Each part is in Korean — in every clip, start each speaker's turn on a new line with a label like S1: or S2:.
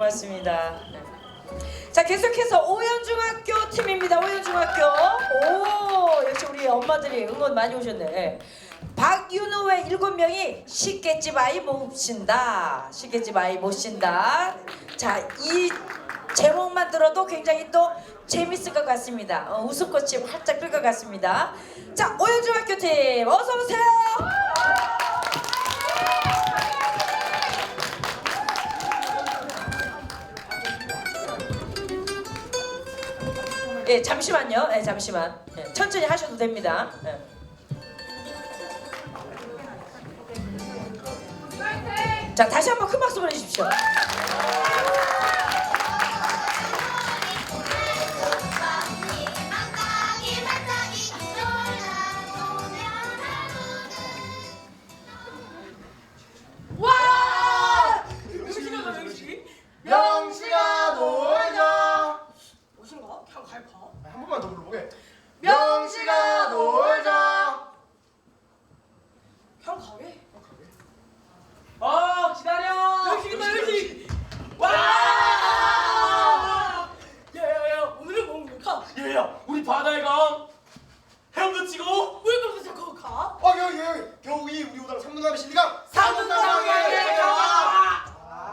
S1: 고맙습니다. 네. 자, 계속해서 오연중학교 팀입니다. 오연중학교. 오, 역시 우리 엄마들이 응원 많이 오셨네. 네. 박윤호의 7명이 시계집 아이 몹신다. 시계집 아이 모신다. 자, 이 제목만 들어도 굉장히 또 재밌을 것 같습니다. 웃음꽃이 활짝 필 것 같습니다. 자, 오연중학교 팀 어서 오세요. 예, 잠시만요. 예, 잠시만. 예, 천천히 하셔도 됩니다. 예. 자, 다시 한번 큰 박수 보내주십시오.
S2: 와! 명식이다 명식.
S3: 명식아 놀자.
S2: 무슨가? 그냥 갈까?
S3: 한 번만 더 불러보게.
S2: 명식아
S3: 놀자.
S2: 그냥 가게.
S4: 기다려.
S2: 명식이다 명식. 와! 야야야 오늘은 뭐 먹을까?
S4: 얘야, 우리 바다에 가. 헤엄도 치고.
S2: 왜 그렇게 자꾸 가?
S3: 여기 겨우이 우리 오다가 삼등감이 실리가.
S2: 삼등강에 가.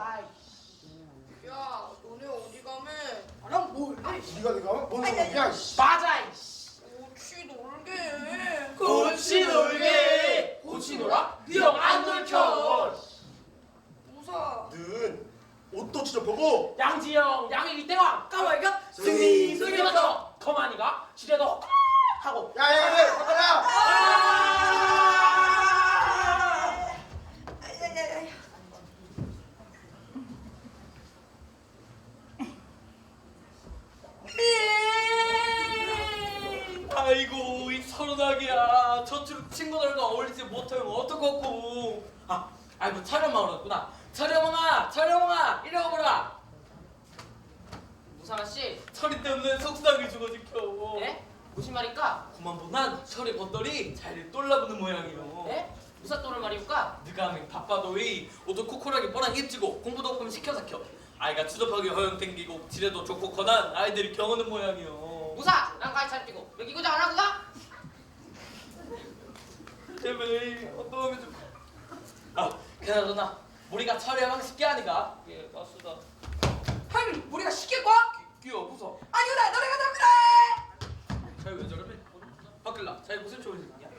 S5: 야, 너네 어디 가면?
S2: 나랑 뭘?
S3: 네가 내가 뭔 소리야?
S4: 맞아.
S5: 같이 놀게.
S4: 꽃이 놀게. 꽃이 놀아? 니형안 놀켜.
S5: 무사.
S3: 는 옷도 지저보고.
S4: 양지영, 양일기 때와
S2: 까마귀가
S4: 승리 승리 맞춰. 거만이가 지뢰도 하고.
S3: 야야야 잠깐만.
S4: 아이고 이 서른하기야. 저쪽 친구들과 어울리지 못하면 어떡하고. 아이고 촬영망 왔구나. 촬영망아 이리 와보라.
S6: 무상아 씨,
S4: 철이 때문에 속상해 죽어 지켜.
S6: 예? 무슨 말일까?
S4: 그만 보난 철이 겉돌이 잘 똘라붙는 모양이요.
S6: 예? 무사 또를 말이올까?
S4: 네가 하면 바빠도이 옷도 코코하게 뻔한 입지고 공부도 없으면 시켜삭혀. 아이가 추접하게 허영 땡기고 지레도 좋고 커난 아이들이 경하는 모양이요.
S6: 무사, 난 가위 잘 뛰고 여기 고장 안 하고 가?
S4: 제발 어떠하면 좀. 그나저나 우리가 철야망 쉽게 하니까. 예, 맞수다.
S2: 할머니 우리가 쉽게 과?
S4: 끼워 무서.
S2: 아니구나 너네가 더 그래.
S4: 자기 왜 저러네? 바클라 자기 무슨 좋은 생각이야?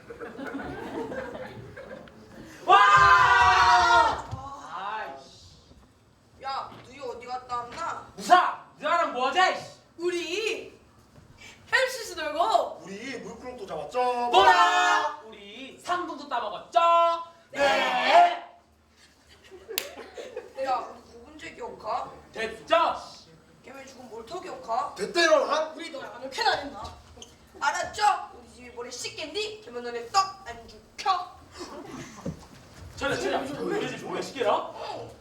S4: 와! 아이씨.
S5: 야, 너희 어디 갔다 왔나?
S4: 무사! 너랑 뭐하지?
S2: 우리 헬스스 놀고
S3: 우리 물구렁도 잡았죠.
S4: 뭐라! 우리 상품도 따먹었죠? 네!
S5: 야, 누군지 기억하?
S4: 됐죠?
S5: 걔네 죽은 뭘더 기억하?
S3: 됐대로 한.
S2: 우리 너랑 안 욕해나 했나?
S5: 알았죠? 우리 집이 머리 씻겠니? 걔면 너네 떡안 죽혀.
S4: 차려 왜 뭐야 시계라?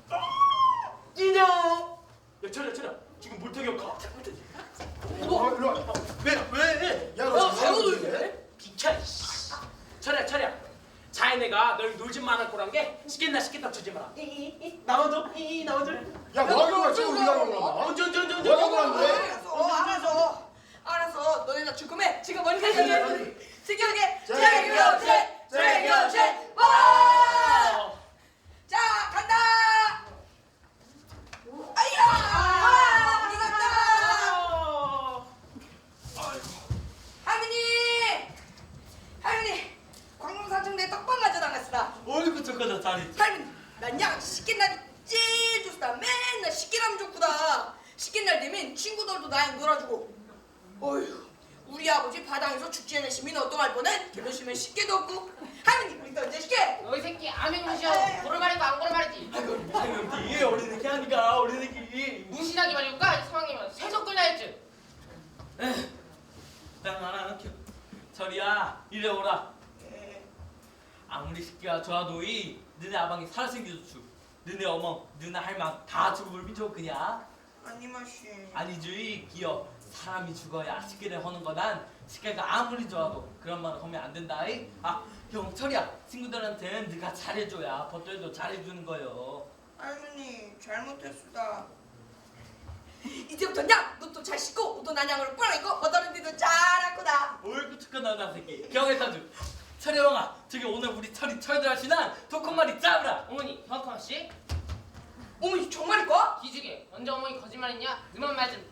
S4: 인형! 야 차려 지금 물태격하.
S3: 일로 와.
S4: 왜?
S3: 야너
S2: 잘못 놀게.
S4: 비켜. 차려 자네가 널 놀지 말할 거란 게 시켰다 주지 마라. 나와줘.
S3: 야 뭐하는 거야 지금 우리가 그런 거야.
S4: 언제
S3: 뭐하는 거야?
S5: 알았어. 너네 나 죽음에
S2: 지금 머리 세게
S5: 특이하게
S3: 제교체.
S5: 와! 자, 간다. 아이야! 우리 간다. 할머니, 광릉사중대 떡방 가져다녔으다.
S4: 어이구 저거다 잘했지.
S5: 할머니, 난 양 시킨 날이 제일 좋다. 맨날 시키라면 좋구다. 시킨 날 되면 친구들도 나랑 놀아주고. 어휴, 우리 아버지 바닥에서 축제 내시면 어떡할 뻔해? 결혼시면 식게도 없고. 할머니, 우리 언제 식게?
S6: 너희 새끼 아멘 무시하고 고를 말이고 안 고를 말이지.
S4: 당연히 어린애기 하니까 어린애기.
S6: 무신하기 말이올까? 이 상황이면 세속 끌려 했지.
S4: 난 하나 켜. 철이야 이리 오라. 아무리 식기가 좋아도이 너네 아방이 살생겨도 죽. 너네 어머 너네 할망 다 죽음을 비춰 그냥.
S5: 아니 마시.
S4: 아니지 기어 사람이 죽어야 식기를 하는 거난 식기가 아무리 좋아도 그런 말을 하면 안 된다이. 형 철이야 친구들한테는 네가 잘해줘야 벗들도 잘해주는 거요.
S5: 할머니 잘못했수다. 난양으로 꾸러니고 어떤 데도 잘하구나.
S4: 얼굴 축하 나나 새끼 경혜사주 철여왕아 저기 오늘 우리 철이 철들하시나 독한 마리 짜브라.
S6: 어머니, 허커 씨?
S5: 어머니 정말일까?
S6: 기죽에. 언제 어머니 거짓말했냐? 너만 말 좀